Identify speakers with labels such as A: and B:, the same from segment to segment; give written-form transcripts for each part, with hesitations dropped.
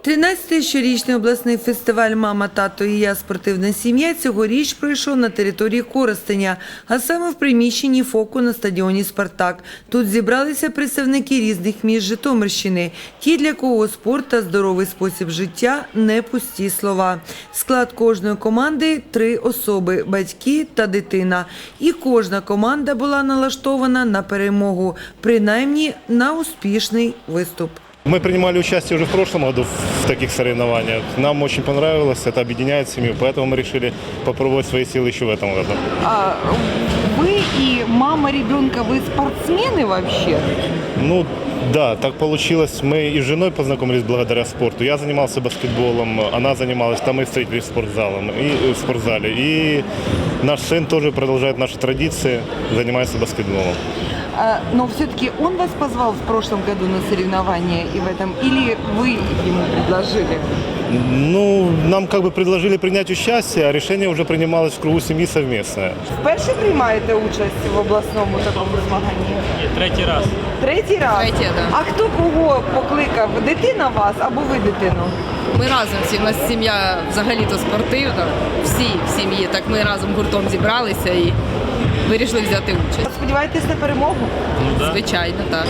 A: 13-й щорічний обласний фестиваль «Мама, тато і я. Спортивна сім'я» цьогоріч пройшов на території Коростеня, а саме в приміщенні ФОКу на стадіоні «Спартак». Тут зібралися представники різних міст Житомирщини, ті, для кого спорт та здоровий спосіб життя – не пусті слова. Склад кожної команди – 3 особи – батьки та дитина. І кожна команда була налаштована на перемогу, принаймні на успішний виступ.
B: Мы принимали участие уже в прошлом году в таких соревнованиях. Нам очень понравилось, это объединяет семью, поэтому мы решили попробовать свои силы еще в этом году.
C: А вы и мама ребенка, вы спортсмены вообще?
B: Ну да, так получилось. Мы и с женой познакомились благодаря спорту. Я занимался баскетболом, она занималась, там мы встретились в спортзале. И наш сын тоже продолжает наши традиции, занимается баскетболом.
C: Но все-таки он вас позвал в прошлом году на соревнования и в этом, или вы ему предложили?
B: Ну, нам как бы предложили принять участие, а решение уже принималось в кругу семьи совместное.
C: Вперше приймаєте участь в обласному такому змаганні?
D: Ні, третій раз.
C: Третій раз?
E: Третє, да.
C: А хто кого покликав? Дитина вас або ви дитину?
E: Ми разом всі, у нас сім'я взагалі-то спортивна, всі в сім'ї, так ми разом гуртом зібралися і вирішили взяти участь.
C: Сподіваєтесь на перемогу?
E: Звичайно, так.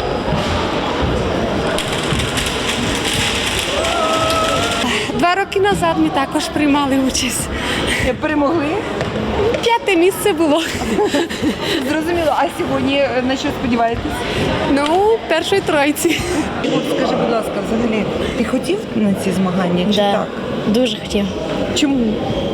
F: Два роки назад ми також приймали участь.
C: Перемогли?
F: 5-те місце було.
C: Зрозуміло. А сьогодні на що сподіваєтесь?
F: Ну, першої тройці.
C: От скажи, будь ласка, взагалі, ти хотів на ці змагання чи
G: Да,
C: так?
G: дуже хотів.
C: Чому?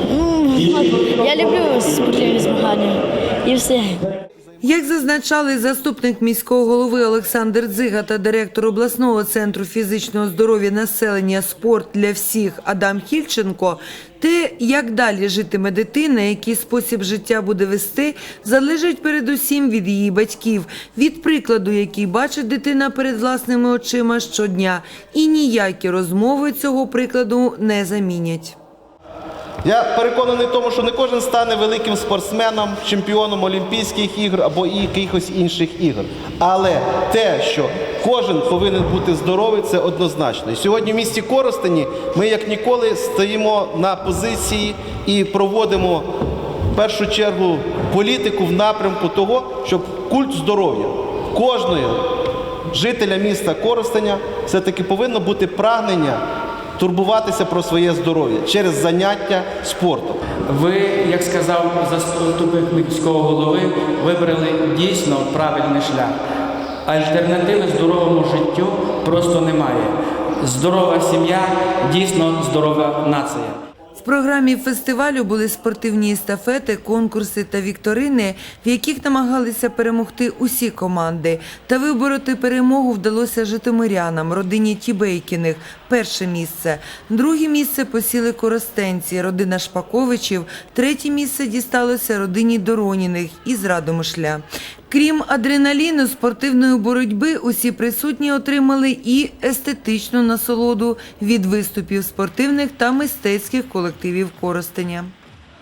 G: Я люблю спортивні змагання і все.
A: Як зазначали заступник міського голови Олександр Дзига та директор обласного центру фізичного здоров'я населення «Спорт для всіх» Адам Хільченко, те, як далі житиме дитина, який спосіб життя буде вести, залежить передусім від її батьків, від прикладу, який бачить дитина перед власними очима щодня. І ніякі розмови цього прикладу не замінять.
H: Я переконаний в тому, що не кожен стане великим спортсменом, чемпіоном Олімпійських ігор або якихось інших ігор. Але те, що кожен повинен бути здоровий, це однозначно. І сьогодні в місті Коростені ми як ніколи стоїмо на позиції і проводимо в першу чергу політику в напрямку того, щоб культ здоров'я кожного жителя міста Коростеня все-таки повинно бути прагнення турбуватися про своє здоров'я через заняття спортом.
D: Ви, як сказав заступник міського голови, вибрали дійсно правильний шлях. Альтернативи здоровому життю просто немає. Здорова сім'я – дійсно здорова нація.
A: В програмі фестивалю були спортивні естафети, конкурси та вікторини, в яких намагалися перемогти усі команди. Та вибороти перемогу вдалося житомирянам, родині Тібейкіних – перше місце. Друге місце посіли коростенці, родина Шпаковичів. Третє місце дісталося родині Дороніних із Радомишля. Крім адреналіну, спортивної боротьби, усі присутні отримали і естетичну насолоду від виступів спортивних та мистецьких колективів Коростеня.